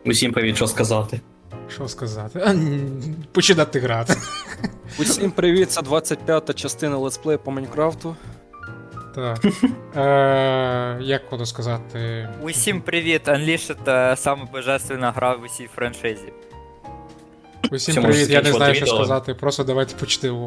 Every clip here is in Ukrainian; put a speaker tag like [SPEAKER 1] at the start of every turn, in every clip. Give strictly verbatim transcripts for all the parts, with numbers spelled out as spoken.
[SPEAKER 1] Усім привіт, що сказати.
[SPEAKER 2] Що сказати? А, н- Починати грати.
[SPEAKER 3] Усім привіт, це двадцять п'ята частина летсплею по Майнкрафту.
[SPEAKER 2] Так. Е, як воно сказати?
[SPEAKER 4] Усім привіт! Unleashed — це саме божественна гра в усій франшизі.
[SPEAKER 2] Усім
[SPEAKER 1] Це
[SPEAKER 2] привіт,
[SPEAKER 1] може
[SPEAKER 2] я не
[SPEAKER 1] закінчувати
[SPEAKER 2] знаю, що
[SPEAKER 1] відео.
[SPEAKER 2] сказати, просто давайте почтиво.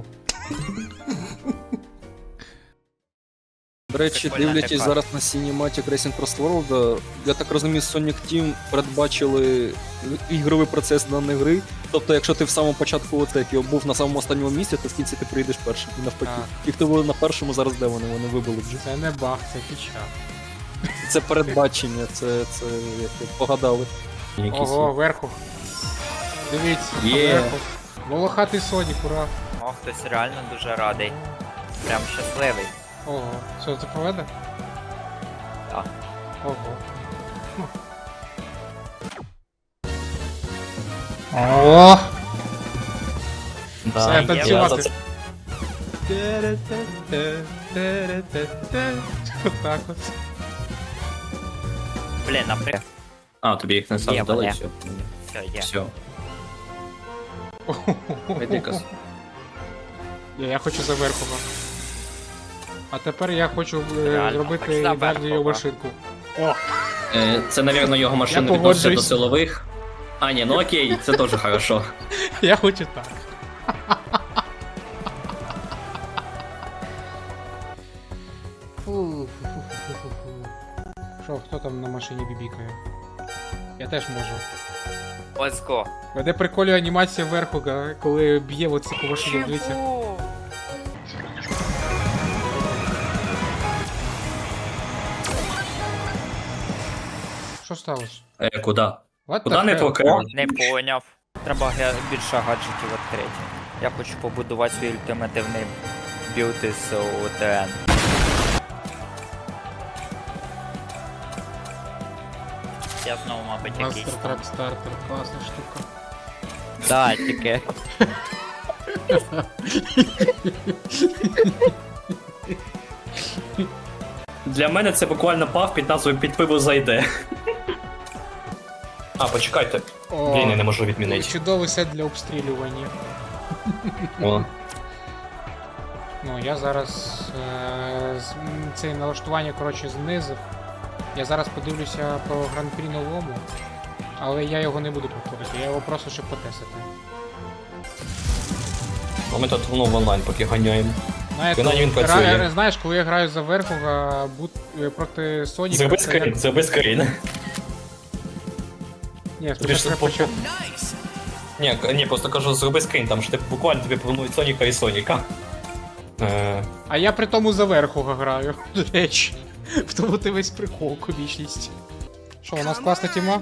[SPEAKER 3] До речі,
[SPEAKER 4] Прикольна
[SPEAKER 3] дивлячись
[SPEAKER 4] така.
[SPEAKER 3] зараз на Cinematic Racing Cross World, я так розумію, Sonic Team передбачили ігровий процес даної гри. Тобто, якщо ти в самому початку оцепі був на самому останньому місці, то в кінці ти прийдеш першим і навпаки.
[SPEAKER 2] Так.
[SPEAKER 3] Ті, хто були на першому, зараз де вони? Вони вибили вже.
[SPEAKER 2] Це не баг, це фіча.
[SPEAKER 3] Це передбачення, це, це як ви погадали.
[SPEAKER 1] Якісь
[SPEAKER 2] Ого, верху. Дивіться,
[SPEAKER 1] Є.
[SPEAKER 2] верху. Волохатий Сонік, ура.
[SPEAKER 4] О, хтось реально дуже радий. Прям щасливий.
[SPEAKER 2] Ого. Що, це поведе?
[SPEAKER 4] Так.
[SPEAKER 2] Ого. О!
[SPEAKER 1] Да,
[SPEAKER 2] Все,
[SPEAKER 1] я
[SPEAKER 2] танцювати.
[SPEAKER 1] за це-
[SPEAKER 2] Отак от.
[SPEAKER 4] Блін, наприклад.
[SPEAKER 1] А, тобі їх не сам
[SPEAKER 4] Є,
[SPEAKER 1] дали,
[SPEAKER 4] мене.
[SPEAKER 1] все.
[SPEAKER 4] Все, є.
[SPEAKER 1] Все. Медикас.
[SPEAKER 2] Я, я хочу за верхова. А тепер я хочу е,
[SPEAKER 4] Реально,
[SPEAKER 2] зробити
[SPEAKER 4] хоч за
[SPEAKER 2] ідеальну
[SPEAKER 4] Верхова.
[SPEAKER 2] машинку. О!
[SPEAKER 1] Е, Це, навірно, його
[SPEAKER 2] Я
[SPEAKER 1] машина відноситься до
[SPEAKER 2] погоджуюсь.
[SPEAKER 1] силових. А, ні, ну окей, це теж хорошо.
[SPEAKER 2] Я хочу так. Фу, фу, фу, фу, фу, фу. Що, хто там на машині бібікає? Я теж можу.
[SPEAKER 4] Let's go.
[SPEAKER 2] Мене приколює анімація Верхога, коли б'є оце по машині, дивіться.
[SPEAKER 4] Чого?
[SPEAKER 2] Що сталося?
[SPEAKER 1] Е, куди?
[SPEAKER 2] What
[SPEAKER 1] Куди
[SPEAKER 2] the
[SPEAKER 1] не
[SPEAKER 2] hell?
[SPEAKER 1] покрив?
[SPEAKER 4] Не поняв. Треба ге- більше гаджетів відкрити. Я хочу побудувати свій ультимативний білд із о те ен. Я знову, мабуть, якийсь.
[SPEAKER 2] Мастер трак стартер, класна штука.
[SPEAKER 4] Да, тільки.
[SPEAKER 1] Для мене це буквально пав під назвою «Під пиво зайде». А, почекайте.
[SPEAKER 2] О,
[SPEAKER 1] Блін, я не можу відмінити.
[SPEAKER 2] чудовий сет для обстрілювання.
[SPEAKER 1] О.
[SPEAKER 2] Ну, я зараз е, з- м, це налаштування, коротше, знизив. Я зараз подивлюся по гран-прі новому, але я його не буду повторити, я його просто щоб потестити.
[SPEAKER 1] А ми тут ну, в онлайн поки ганяємо.
[SPEAKER 2] Знаєте,
[SPEAKER 1] Принаймні він
[SPEAKER 2] гра-
[SPEAKER 1] працює.
[SPEAKER 2] знаєш, коли я граю за Верхова бут, е, проти Соніка,
[SPEAKER 1] Зроби
[SPEAKER 2] це
[SPEAKER 1] скрін,
[SPEAKER 2] як...
[SPEAKER 1] зроби скрін.
[SPEAKER 2] Ні,
[SPEAKER 1] Тобі
[SPEAKER 2] спочатку
[SPEAKER 1] ж
[SPEAKER 2] я
[SPEAKER 1] по-
[SPEAKER 2] почав.
[SPEAKER 1] Ні, к- ні, просто кажу, зроби скрін, там що ти буквально тобі пропонують Соніка і Соніка. Е,
[SPEAKER 2] А я при тому за Верхова граю, до речі. В тому ти весь прикол, комічність. Що, у нас класна тіма?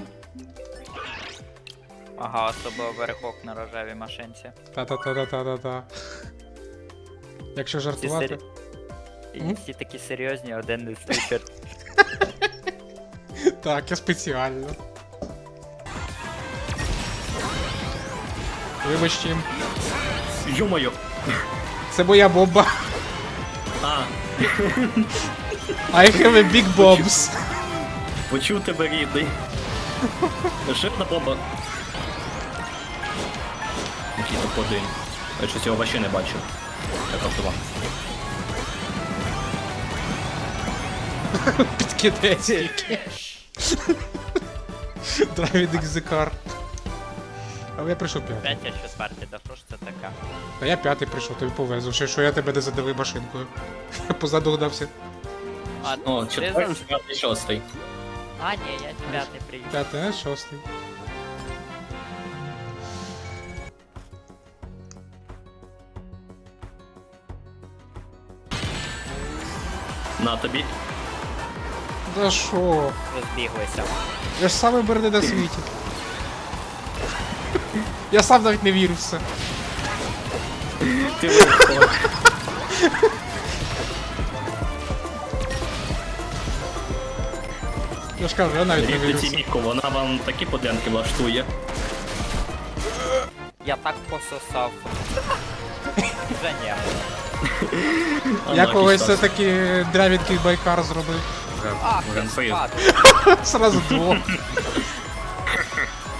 [SPEAKER 4] Ага, особливо верхок на рожевій машинці.
[SPEAKER 2] Та-та-та-та-та-та. Якщо
[SPEAKER 4] Всі,
[SPEAKER 2] жартувати.
[SPEAKER 4] сері... І
[SPEAKER 2] М?
[SPEAKER 4] всі такі серйозні, один не сліпер.
[SPEAKER 2] Так, я спеціально. Вибачте,
[SPEAKER 1] Ё-моё!
[SPEAKER 2] це моя бомба.
[SPEAKER 1] А,
[SPEAKER 2] I have a big bombs.
[SPEAKER 1] почув тебе, рідний. Ще одна бомба. Який топ один. Я щось його вообще не бачив. Як автомат.
[SPEAKER 2] Підкидець тільки. Driving the car. Але я прийшов п'ятий.
[SPEAKER 4] П'ять, я четвертий, да що ж це таке?
[SPEAKER 2] Та я п'ятий прийшов, тобі повезло. Ще що я тебе не задавив машинкою. Я позаду гнався.
[SPEAKER 4] А,
[SPEAKER 1] О,
[SPEAKER 4] ти
[SPEAKER 1] четвертий,
[SPEAKER 4] за-
[SPEAKER 1] п'ятий, шостий.
[SPEAKER 4] А, ні, я п'ятий приїхав.
[SPEAKER 2] П'ятий, а шостий.
[SPEAKER 1] На тобі.
[SPEAKER 2] Да шо?
[SPEAKER 4] Розбіглися.
[SPEAKER 2] Я ж самий берди на світі. Я сам навіть не вірю в це.
[SPEAKER 1] Ти виходь.
[SPEAKER 2] Я ж кажу, я навіть не вірю
[SPEAKER 1] Рідний
[SPEAKER 2] в це.
[SPEAKER 1] Тіміко, вона вам такі подлянки влаштує.
[SPEAKER 4] Я так пососав. Вже ні.
[SPEAKER 2] Я
[SPEAKER 1] Unlucky
[SPEAKER 2] колись
[SPEAKER 1] щас.
[SPEAKER 2] все-таки дрявінький байкар зробив.
[SPEAKER 4] Ах, я
[SPEAKER 1] Гран-при.
[SPEAKER 4] спати.
[SPEAKER 2] Сразу двох.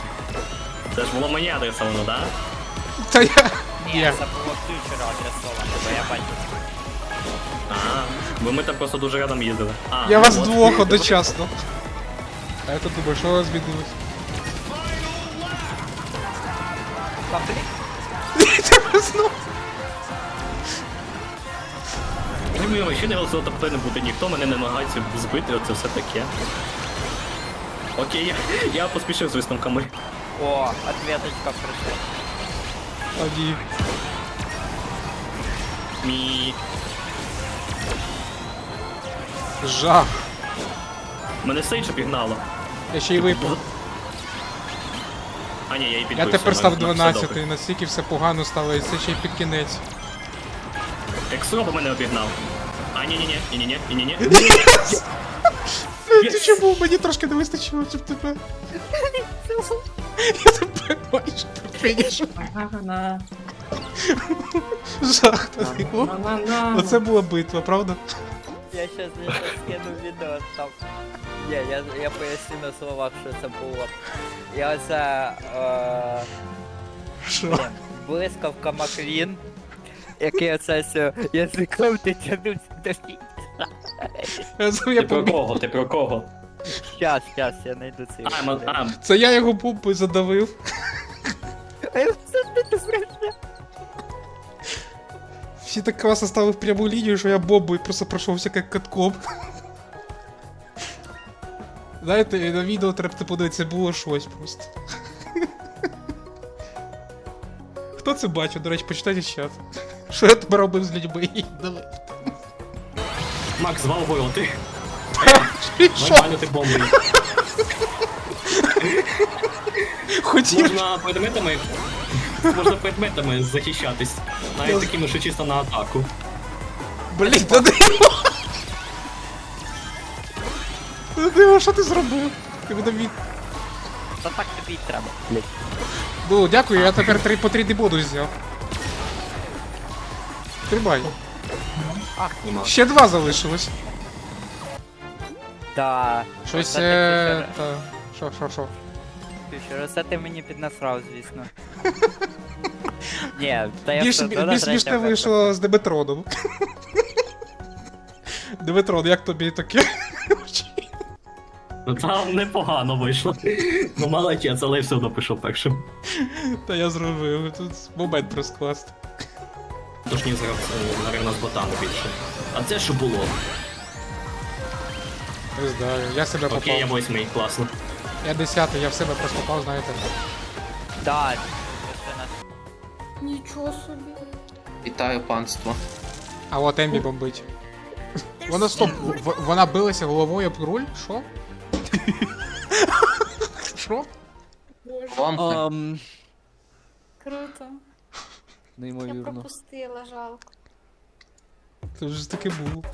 [SPEAKER 1] було мені адресовано, да?
[SPEAKER 2] Та я.
[SPEAKER 4] Ні,
[SPEAKER 2] Є.
[SPEAKER 4] це було фьючера адресовано, бо я бачив.
[SPEAKER 1] А, бо ми там просто дуже рядом їздили. А,
[SPEAKER 2] Я
[SPEAKER 1] ну
[SPEAKER 2] вас
[SPEAKER 1] от.
[SPEAKER 2] двох одночасно. А я тут думаю, що у вас змінилось?
[SPEAKER 4] Конфлікт?
[SPEAKER 1] Ні, мені вообще не голосував, тобто не буде ніхто, мене не намагається збити, оце все таке. Окей, я, я поспішив з висновками.
[SPEAKER 4] О, ответочка прийшла.
[SPEAKER 2] А ні.
[SPEAKER 1] Мі.
[SPEAKER 2] Жах.
[SPEAKER 1] Мене Сейдж обігнало.
[SPEAKER 2] Я ще й випав.
[SPEAKER 1] А ні, я і
[SPEAKER 2] Я
[SPEAKER 1] підбився.
[SPEAKER 2] тепер став
[SPEAKER 1] ну, ну, все
[SPEAKER 2] дванадцятий,
[SPEAKER 1] добре.
[SPEAKER 2] настільки все погано стало, і це ще й під кінець.
[SPEAKER 1] Ексроба мене обігнав. А, ні-ні-ні, ні-ні-ні, ні-ні-ні.
[SPEAKER 2] Ти чому? Мені трошки не вистачило, щоб тебе. Я тебе майже фінішу. Жах такий. О, оце була битва, правда?
[SPEAKER 4] Я щас я щас скину відео там. Ні, я, я поясню на словах, що це було. Я оце... Е...
[SPEAKER 2] Що?
[SPEAKER 4] блін, блискавка Маквін, який оце все язиком ти тянувся до кінця.
[SPEAKER 2] Я з-
[SPEAKER 1] Ти
[SPEAKER 2] Я
[SPEAKER 1] про
[SPEAKER 2] помню.
[SPEAKER 1] кого? Ти про кого?
[SPEAKER 4] Щас, щас, я знайду цей
[SPEAKER 1] А, ма- а,
[SPEAKER 2] Це я його бомбою задавив.
[SPEAKER 4] А я все не добре.
[SPEAKER 2] Всі так класно стали в пряму лінію, що я бомбою просто пройшовся як катком. Знаєте, на відео треба подивитися, було щось просто. Хто це бачив? До речі, почитайте чат. Що я тепер робив з людьми? Давай.
[SPEAKER 1] Макс, звал бою, ти.
[SPEAKER 2] Що?
[SPEAKER 1] Нормально ти бомбою.
[SPEAKER 2] Хотів.
[SPEAKER 1] Можна предметами... Можна предметами захищатись. Навіть такими, що чисто на атаку.
[SPEAKER 2] Блін, та диво! Та диво, що ти зробив? Ти мене від...
[SPEAKER 4] Та так тобі й треба.
[SPEAKER 2] Ну, дякую, я тепер три по три дебоду взяв. Тримай.
[SPEAKER 1] Нема.
[SPEAKER 2] Ще два залишилось.
[SPEAKER 4] Да.
[SPEAKER 2] Щось.
[SPEAKER 4] Оце ти
[SPEAKER 2] Е...
[SPEAKER 4] фішер-
[SPEAKER 2] Та... Що, що, що?
[SPEAKER 4] фішер, оце ти мені піднасрав, звісно. Ні, та я
[SPEAKER 2] Більш,
[SPEAKER 4] все одно на
[SPEAKER 2] більш
[SPEAKER 4] третє
[SPEAKER 2] смішне
[SPEAKER 4] вибрав.
[SPEAKER 2] вийшло з Деметроном. Деметрон, як тобі таке?
[SPEAKER 1] Ну там непогано вийшло. Ну молодець, але я все одно пішов першим.
[SPEAKER 2] Та я зробив, тут момент просто класний.
[SPEAKER 1] Тож ні, зараз, е, наверно, з ботами більше. А це що було?
[SPEAKER 2] Не знаю, я себе попав.
[SPEAKER 1] Окей, я восьмий, класно.
[SPEAKER 2] Я десятий, я в себе просто попав, знаєте.
[SPEAKER 4] Да. це на-
[SPEAKER 5] Нічого собі.
[SPEAKER 6] Вітаю панство.
[SPEAKER 2] А от Ембі бомбить. Вона стоп, в- вона билася головою об руль? Що? Що?
[SPEAKER 5] Боже,
[SPEAKER 6] Вам
[SPEAKER 3] Ам,
[SPEAKER 5] круто. Я
[SPEAKER 3] неймовірно.
[SPEAKER 5] пропустила, жалко.
[SPEAKER 2] Це вже таке було.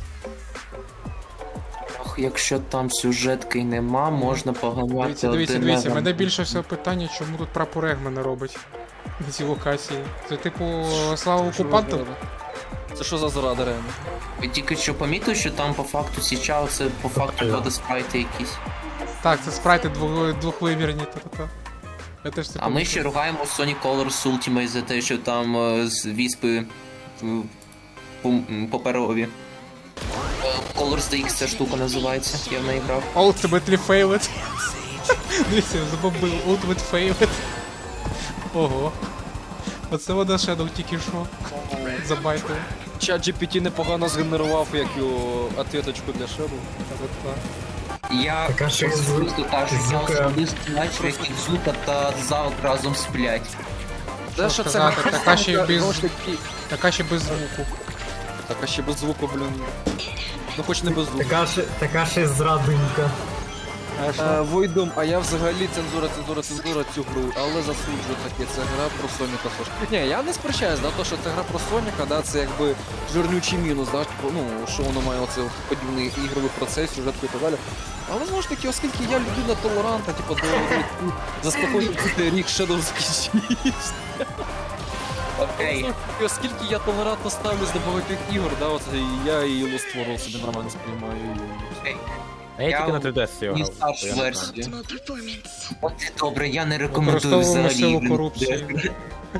[SPEAKER 6] ох, якщо там сюжетки нема, можна поганяти
[SPEAKER 2] Дивіться, дивіться,
[SPEAKER 6] один
[SPEAKER 2] дивіться,
[SPEAKER 6] на-
[SPEAKER 2] мене більше всього питання, чому тут прапор Егмана робить на цій локації. Це типу слава окупантам?
[SPEAKER 3] Це що за зрада, реально?
[SPEAKER 6] Ви тільки що помітили, що там по факту січав, це по факту водоспрайти якісь.
[SPEAKER 2] Так, це спрайти двох- двохвимірні, та-та-та. Я теж це
[SPEAKER 6] А ми
[SPEAKER 2] помітив.
[SPEAKER 6] ще ругаємо Sonic Colors Ultimate за те, що там е, з віспи е, пум- м, паперові. Е, Colors ді ікс ця штука називається, я в неї грав.
[SPEAKER 2] Ultimately failed. Дивіться, забомбив. Ultimate failed. Ого. Оце вона Shadow тільки що. Забайтили.
[SPEAKER 3] Чат джі пі ті непогано згенерував як його ответочку для Шеду.
[SPEAKER 2] Та-та-та.
[SPEAKER 6] Я особисто так, що я особисто бачив, як Зута та Завк разом сплять.
[SPEAKER 3] Те,
[SPEAKER 2] Що сказати, така ще й без-
[SPEAKER 3] знову ж таки,
[SPEAKER 2] Така ще без звуку.
[SPEAKER 3] так, а ще без звуку, блін. Ну хоч не без звуку.
[SPEAKER 7] Така ж, така ж зрадонька.
[SPEAKER 2] А що?
[SPEAKER 3] Е, Войдом, а я взагалі цензура, цензура, цензура цю гру, але засуджую таке, це гра про Соніка Сош. Ні, я не сперечаюсь, да, то, що це гра про Соніка, да, це якби жирнючий мінус, да, типу, ну, що воно має оце подібний ігровий процес, сюжетку і так далі. Але знову ж таки, оскільки я людина толерантна, типу, до до- заспокоювати рік Shadow закінчився.
[SPEAKER 6] Окей.
[SPEAKER 3] І оскільки я толерантно ставлюсь до багатьох ігор, да, оце я і Lost World собі нормально сприймаю.
[SPEAKER 6] Окей.
[SPEAKER 8] А я
[SPEAKER 6] Я
[SPEAKER 8] тільки на три ди ес
[SPEAKER 6] Ні,
[SPEAKER 8] грав.
[SPEAKER 6] старшу
[SPEAKER 8] я не знаю.
[SPEAKER 6] версію. От і добре, я не рекомендую
[SPEAKER 2] Використовуємо
[SPEAKER 6] взагалі.
[SPEAKER 2] силу
[SPEAKER 6] блін,
[SPEAKER 2] корупції.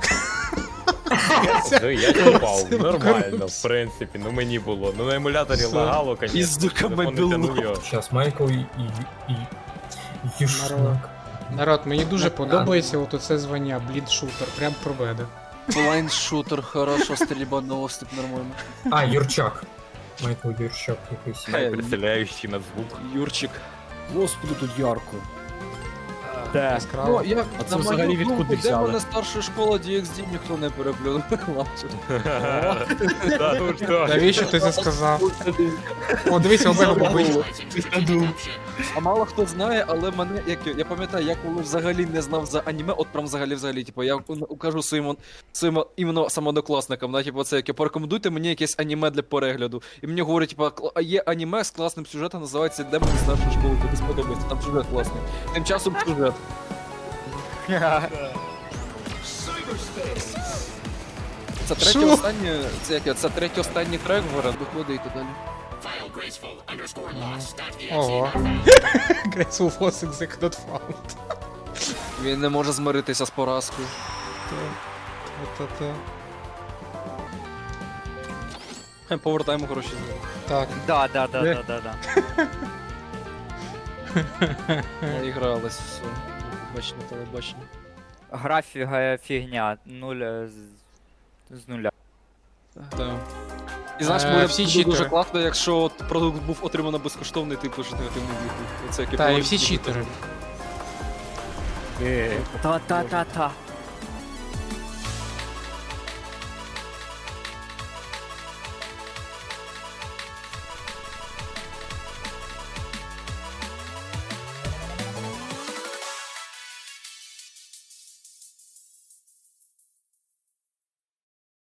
[SPEAKER 8] Ну, я чіпав, нормально, в принципі, ну мені було. Ну на емуляторі
[SPEAKER 3] Все.
[SPEAKER 8] лагало, звісно.
[SPEAKER 3] Іздуками
[SPEAKER 8] телефон не
[SPEAKER 3] біло.
[SPEAKER 8] тянув його.
[SPEAKER 7] Щас Майкл і. і. і. Юшнак.
[SPEAKER 2] Народ, мені дуже подобається от оце звання, блідшутер, прям про мене.
[SPEAKER 3] Блайнд-шутер, хорошо, стрільба на осліп нормально.
[SPEAKER 7] А, Юрчак. Майкл Юрчак якийсь.
[SPEAKER 3] Хай,
[SPEAKER 8] Представляючи на звук.
[SPEAKER 3] Юрчик.
[SPEAKER 9] Господи, тут ярко.
[SPEAKER 2] Яскраво.
[SPEAKER 3] Ну, я,
[SPEAKER 9] А це
[SPEAKER 3] на
[SPEAKER 9] взагалі
[SPEAKER 3] мою
[SPEAKER 9] відкуди
[SPEAKER 3] думку, де
[SPEAKER 9] взяли?
[SPEAKER 3] мене старша школа ді екс ді ніхто не переплюнув.
[SPEAKER 8] Та ну що?
[SPEAKER 2] Навіщо ти це сказав? О, дивися, Омега побив.
[SPEAKER 3] А мало хто знає, але мене, як я пам'ятаю, я коли взагалі не знав за аніме, от прям взагалі взагалі, типу, я кажу своїм своїм іменно самооднокласникам, да, типу, це яке порекомендуйте мені якесь аніме для перегляду. І мені говорять, типу, «Кл- а є аніме з класним сюжетом, називається Демон старшої школи, тобі сподобається, там сюжет класний. Тим часом сюжет. Це третій
[SPEAKER 2] Що?
[SPEAKER 3] останній, це яке, це третій останній трек вгород, виходить і далі.
[SPEAKER 2] Ого. Graceful was exec not found.
[SPEAKER 3] Він не може змиритися з поразкою.
[SPEAKER 2] Та-та-та.
[SPEAKER 3] Хе, Повертаємо гроші.
[SPEAKER 2] Так,
[SPEAKER 4] Да, да, да,
[SPEAKER 2] Де?
[SPEAKER 4] да, да, да.
[SPEAKER 3] Наігралась, все. Бачення, телебачення.
[SPEAKER 4] Графіка фігня, нуль е, з, з нуля.
[SPEAKER 3] Так. І знаєш,
[SPEAKER 2] Е,
[SPEAKER 3] буде,
[SPEAKER 2] всі
[SPEAKER 3] буде
[SPEAKER 2] читери.
[SPEAKER 3] дуже класно, якщо от продукт був отримано безкоштовний, ти пишеш негативний відгук. Оце яке
[SPEAKER 2] та і
[SPEAKER 3] було
[SPEAKER 2] всі
[SPEAKER 3] дуже
[SPEAKER 2] читери.
[SPEAKER 8] Е,
[SPEAKER 4] Та-та-та-та.